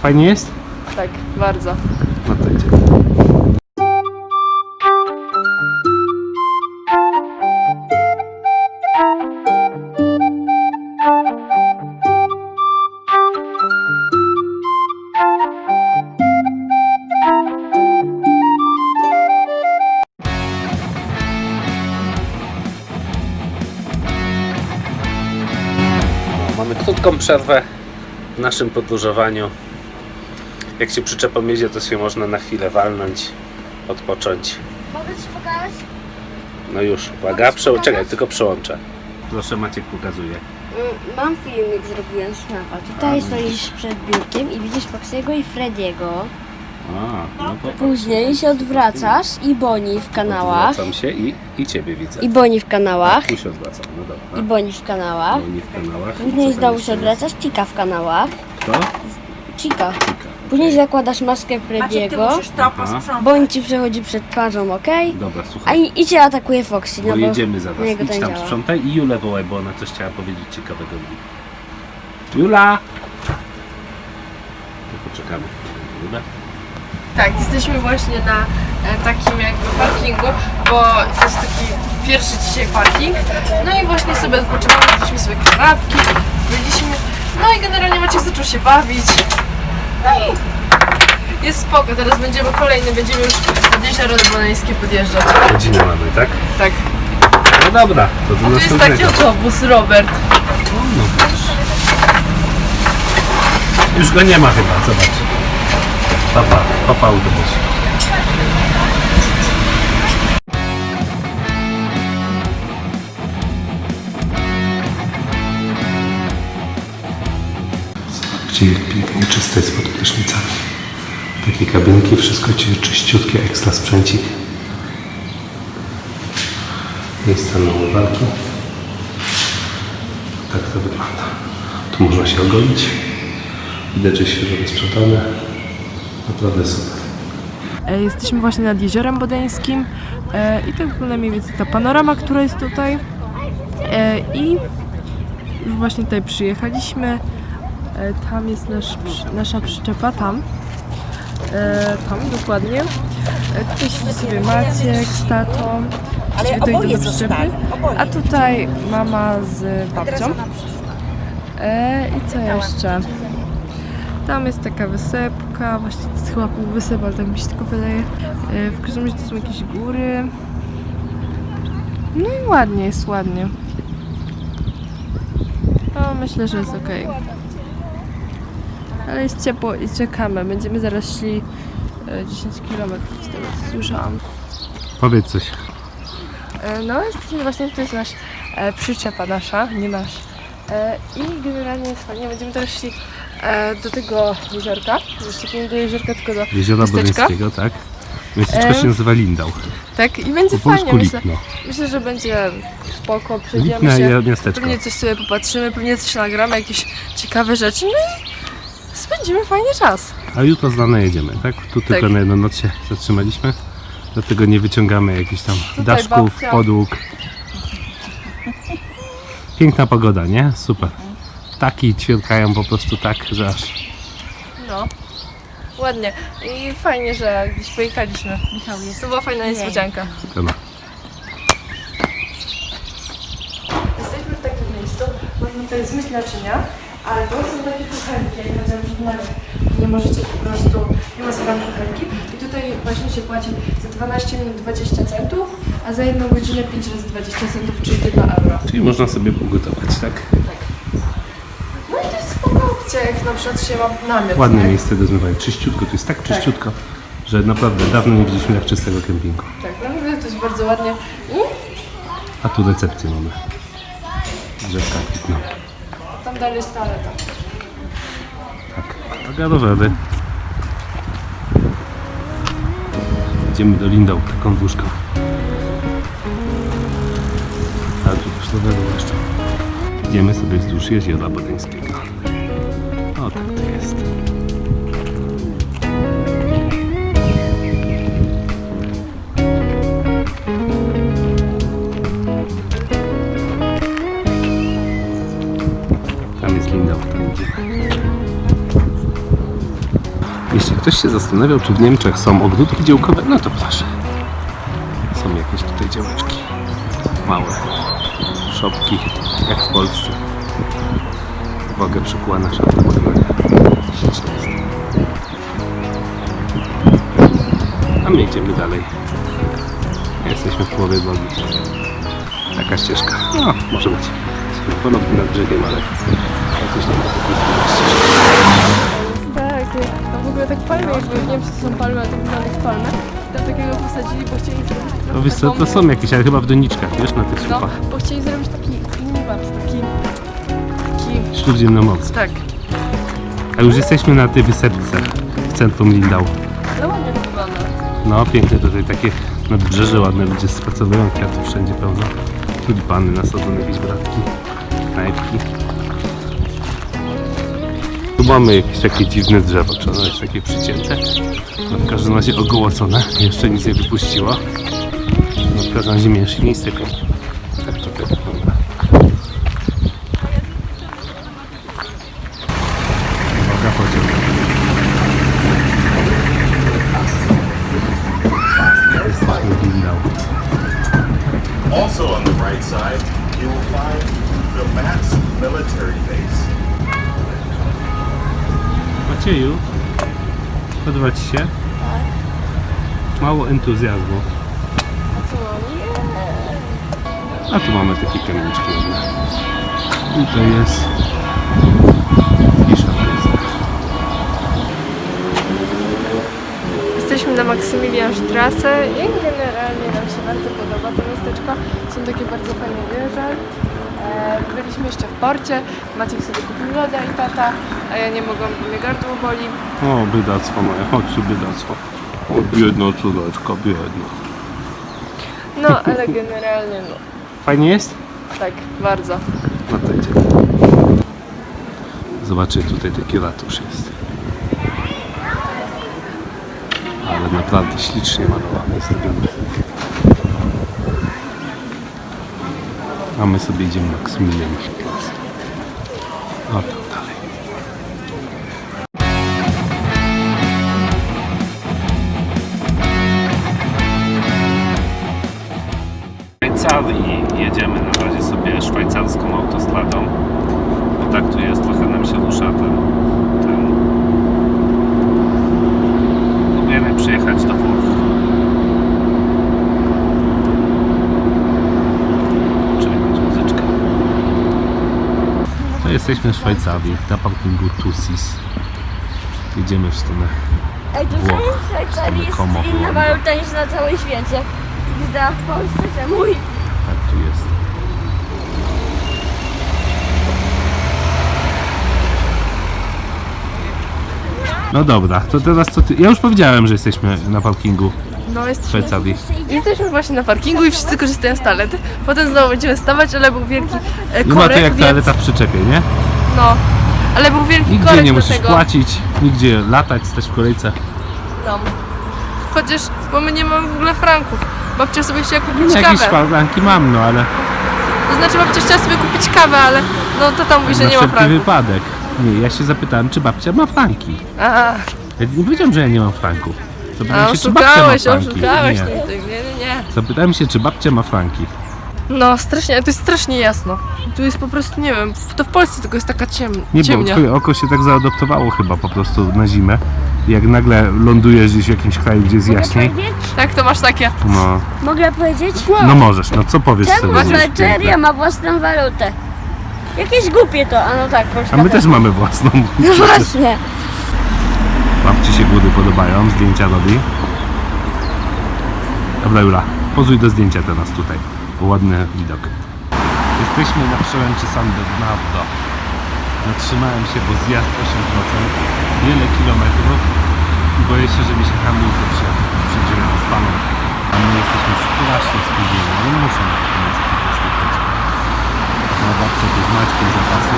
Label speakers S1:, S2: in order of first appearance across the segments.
S1: Fajnie jest?
S2: Tak, bardzo.
S1: No to idzie. Mamy krótką przerwę w naszym podróżowaniu. Jak się przyczepą jedzie, to się można na chwilę walnąć, odpocząć.
S3: Mogę ci pokazać?
S1: No już, uwaga, czekaj, tylko przełączę. Proszę, Maciek pokazuje.
S3: Mam filmik, zrobiłem snapa. Tutaj stoisz przed biurkiem i widzisz Foxiego i Frediego.
S1: No to
S3: Później się odwracasz i Bonnie w kanałach.
S1: odwracam się i Ciebie widzę.
S3: I Bonnie w kanałach.
S1: Tu się odwracam, no dobra.
S3: I Bonnie w kanałach.
S1: No, nie w kanałach.
S3: Później
S1: Co tam
S3: znowu
S1: jeszcze
S3: się odwracasz, Chica w kanałach.
S1: Kto?
S3: Chica.
S1: Chica.
S3: Później zakładasz maskę Frediego. Bonnie ci przechodzi przed twarzą, okej?
S1: Dobra,
S3: A
S1: słuchaj.
S3: i cię atakuje Foxy,
S1: Bo
S3: no bo
S1: jedziemy za
S3: na
S1: was.
S3: niego
S1: Idź
S3: to nie
S1: tam
S3: działa.
S1: sprzątaj i Julę wołaj, bo ona coś chciała powiedzieć ciekawego. Jula! To poczekamy. Jula?
S2: Tak, jesteśmy właśnie na takim jakby parkingu, bo to jest taki pierwszy dzisiaj parking. No i właśnie sobie odpoczywamy, jedliśmy sobie kanapki, byliśmy. No i generalnie Maciek zaczął się bawić. No i jest spoko, teraz będziemy już nad Jezioro Bonańskie podjeżdżać.
S1: Godzinę mamy, tak?
S2: Tak.
S1: No dobra, to do
S2: Tu jest taki
S1: następnego.
S2: autobus, Robert.
S1: No, widzisz. Już go nie ma chyba, zobacz. Papa autobus. Zobaczcie, jak pięknie czyste jest pod prysznicami. Takie kabinki, wszystko czyściutkie, ekstra sprzęcik. Miejsca na umywalki. Tak to wygląda. Tu można się ogolić. Widać, że świeżo wysprzątane. Naprawdę super.
S2: Jesteśmy właśnie nad Jeziorem Bodeńskim i to wygląda mniej więcej ta panorama, która jest tutaj. I już właśnie tutaj przyjechaliśmy. Tam jest nasza przyczepa, tam dokładnie. Tutaj siedzi sobie Maciek z tatą. Właściwie to idą do przyczepy. A tutaj mama z babcią. I co jeszcze? Tam jest taka wysepka, właściwie to jest chyba pół wysep, ale tak mi się tylko wydaje. W każdym razie to są jakieś góry. No i ładnie, jest ładnie. No myślę, że jest ok. Ale jest ciepło i czekamy. Będziemy zaraz szli 10 km z tego co słyszałam.
S1: Powiedz coś.
S2: No jesteśmy właśnie, to jest nasz przyczepa nasza, nie nasz. I generalnie jest fajnie, będziemy teraz szli do tego jeziorka. Jeszcze nie do jeziorka, tylko do
S1: Jeziora
S2: miasteczka.
S1: Bodeńskiego, tak? Miasteczko się nazywa Lindau.
S2: Tak, i będzie
S1: Po polsku
S2: fajnie, myślę.
S1: Lipno.
S2: Myślę, że będzie spoko, przejdziemy
S1: Lipna
S2: się,
S1: i miasteczko.
S2: pewnie coś sobie popatrzymy, pewnie coś nagramy, jakieś ciekawe rzeczy, no i spędzimy fajnie czas.
S1: A jutro z rana jedziemy, tak? Tu tylko na jedną noc się zatrzymaliśmy. Dlatego nie wyciągamy jakichś tam daszków,
S2: babcia.
S1: podłóg. Piękna pogoda, nie? Super. Ptaki ćwierkają po prostu tak, że aż...
S2: No, ładnie i fajnie, że gdzieś pojechaliśmy. Michał jest. To była fajna niespodzianka.
S1: No.
S2: Jesteśmy w takim miejscu, można tutaj zmyć naczynia, ale to są takie kuchenki, jak powiedziałam przed nami. Nie możecie po prostu, nie ma zadane kuchenki. I tutaj właśnie się płaci za 12 minut 20 centów, a za 1 godzinę 5 razy 20 centów, czyli 1 euro.
S1: Czyli można sobie ugotować, tak?
S2: No i to jest spoko opcja, jak na przykład się ma namiot.
S1: Ładne
S2: tak?
S1: miejsce do zmywania. Czyściutko, to jest tak czyściutko, że naprawdę dawno nie widzieliśmy tak czystego kempingu.
S2: Tak, naprawdę to jest bardzo ładnie.
S1: A tu recepcję mamy. Drzewka kwitną.
S2: Tam dalej jest toaleta.
S1: Tak, droga do wody. Idziemy do Lindau taką dróżką. A tu też do wody jeszcze. Idziemy sobie wzdłuż Jeziora Bodeńskiego. O, tak to jest. Tam jest Lindau, tam idziemy. Jeśli ktoś się zastanawiał, czy w Niemczech są ogródki działkowe, no to proszę. Są jakieś tutaj działeczki. Małe. Szopki, jak w Polsce. Uwagę przykuła nasza automatyka. Śliczne jest. A my idziemy dalej. Jesteśmy w połowie drogi. Taka ścieżka. No, może być. Ponownie nad brzegiem, ale jakoś nie ma takiej ścieżki.
S2: Tak, a w ogóle tak palmy, jakby nie wiem, czy to są palmy, ale to wygląda jak palmy. Tam takiego posadzili, bo chcieli zrobić
S1: No wiesz co, to są jakieś, ale chyba w doniczkach, wiesz, na tych
S2: No,
S1: słupach.
S2: bo chcieli zrobić taki klimat, taki...
S1: Śródziemnomorski.
S2: Tak.
S1: A już jesteśmy na tej wysepce w centrum Lindau.
S2: No ładnie to wygląda.
S1: No piękne tutaj takie nadbrzeże, ładne ludzie spacerują, kwiatów wszędzie pełno. Tulipany nasadzone, jakieś bratki, knajpki. Tu mamy jakieś takie dziwne drzewo, czy ono jest takie przycięte? No w każdym razie ogołocone, jeszcze nic nie wypuściło. No w każdym razie mniejsze nie sypią. Tak to wygląda. Uwaga, pociąg. Jesteśmy w Lindau.
S4: Also on the right side, you will find the Max military base.
S1: Macieju, podoba Ci się? Mało entuzjazmu. A tu mamy takie kamieniczki ładne. I to jest Fischerheiser.
S2: Jesteśmy na Maksymilianstrasse i generalnie nam się bardzo podoba to miasteczko. Są takie bardzo fajne wieże. Byliśmy jeszcze w porcie. Maciek sobie kupił loda i tata, a ja nie mogłam, bo mnie gardło boli.
S1: O, biedactwo moje, chodź tu biedactwo. O, biedna córeczka, biedna.
S2: No, ale generalnie no,
S1: Fajnie jest?
S2: tak, bardzo.
S1: No to idziemy. Zobaczcie, tutaj taki ratusz jest. Ale naprawdę ślicznie malowany jest ten budynek. A my sobie idziemy Maksymilianstrasse. O, tam dalej. W Szwajcarii jedziemy na razie sobie szwajcarską autostradą. Bo tak tu jest, trochę nam się rusza ten. Próbujemy przyjechać do Włoch. Czy jakąś muzyczkę. No jesteśmy w Szwajcarii, na parkingu Tusis. Jedziemy w stronę.
S3: Ej, tutaj
S1: Włoch,
S3: w Szwajcarii jest
S1: Como,
S3: inna
S1: Holandia.
S3: waluta niż na całym świecie. Gda w Polsce, że mój.
S1: Tak tu jest. No dobra, to teraz co ty... Ja już powiedziałem, że jesteśmy na parkingu
S2: No,
S1: w
S2: jesteśmy,
S1: Szwajcarii.
S2: jesteśmy właśnie na parkingu i wszyscy korzystają z toalety. Potem znowu będziemy stawać, ale był wielki
S1: Nie ma
S2: korek,
S1: to jak
S2: więc...
S1: toaleta w przyczepie, nie?
S2: No, ale był wielki
S1: Nigdzie
S2: korek
S1: nie
S2: do
S1: musisz
S2: tego.
S1: płacić, nigdzie latać, stać w kolejce.
S2: No. Chociaż, bo my nie mamy w ogóle franków. Babcia sobie chciała kupić
S1: Jakieś
S2: kawę.
S1: szparlanki mam, no ale
S2: To znaczy babcia chciała sobie kupić kawę, ale no to tam mówi, że
S1: na
S2: nie ma
S1: wszelki
S2: franków.
S1: wypadek. Nie, ja się zapytałem, czy babcia ma franki.
S2: A,
S1: Ja nie powiedziałem, że ja nie mam franków. Zapytałem się, czy babcia ma
S2: oszukałeś,
S1: franki.
S2: oszukałeś.
S1: Nie.
S2: Nie.
S1: Zapytałem się, czy babcia ma franki.
S2: No strasznie, to jest strasznie jasno. Tu jest po prostu, nie wiem, to w Polsce tylko jest taka
S1: Nie, bo
S2: ciemnia.
S1: twoje oko się tak zaadoptowało chyba po prostu na zimę. Jak nagle lądujesz gdzieś w jakimś kraju, gdzie jest jaśniej.
S2: Tak, to masz takie.
S1: No,
S3: Mogę powiedzieć?
S1: no możesz, no co powiesz
S3: Czemu
S1: sobie?
S3: Szwajcaria ma własną walutę? Jakieś głupie to, a no tak, Polska
S1: A my też mamy własną.
S3: No właśnie.
S1: Babci się góry podobają, zdjęcia robi. Dobra Jula, pozuj do zdjęcia teraz tutaj, bo ładny widok. Jesteśmy na przełęczy San Bernardo. Zatrzymałem się, bo zjazd 8%, wiele kilometrów i boję się, że mi się hamulce przyjdzie z paną. A my jesteśmy strasznie spóźnieni, ale muszę na koniec po prostu jechać. Na babce tu z Maćkiem zapasy.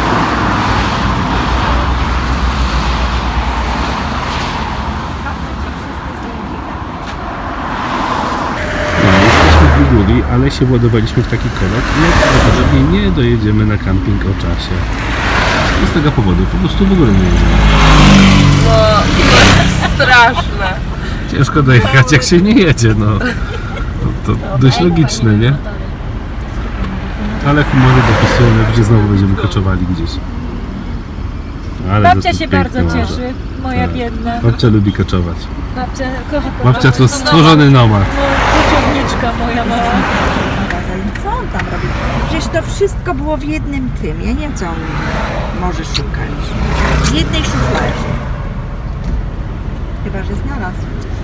S1: Jesteśmy w Liguri, ale się władowaliśmy w taki korek i najprawdopodobniej nie dojedziemy na camping o czasie. I z tego powodu po prostu w ogóle nie jedziemy.
S2: No, straszne.
S1: Ciężko dojechać, jak się nie jedzie, no. To dość logiczne, nie? Ale humory dopisują, gdzie znowu będziemy koczowali gdzieś. Ale to
S5: Babcia
S1: tu
S5: się
S1: piękne
S5: bardzo
S1: morze.
S5: cieszy, moja
S1: Tak.
S5: biedna.
S1: Babcia lubi koczować.
S5: Babcia kocha
S1: Babcia to stworzony nomad.
S5: Koczowniczka moja mała.
S6: Co on tam robi? Przecież to wszystko było w jednym tym. Ja nie wiem, co on może szukać. W jednej szufladzie. Chyba, że znalazł.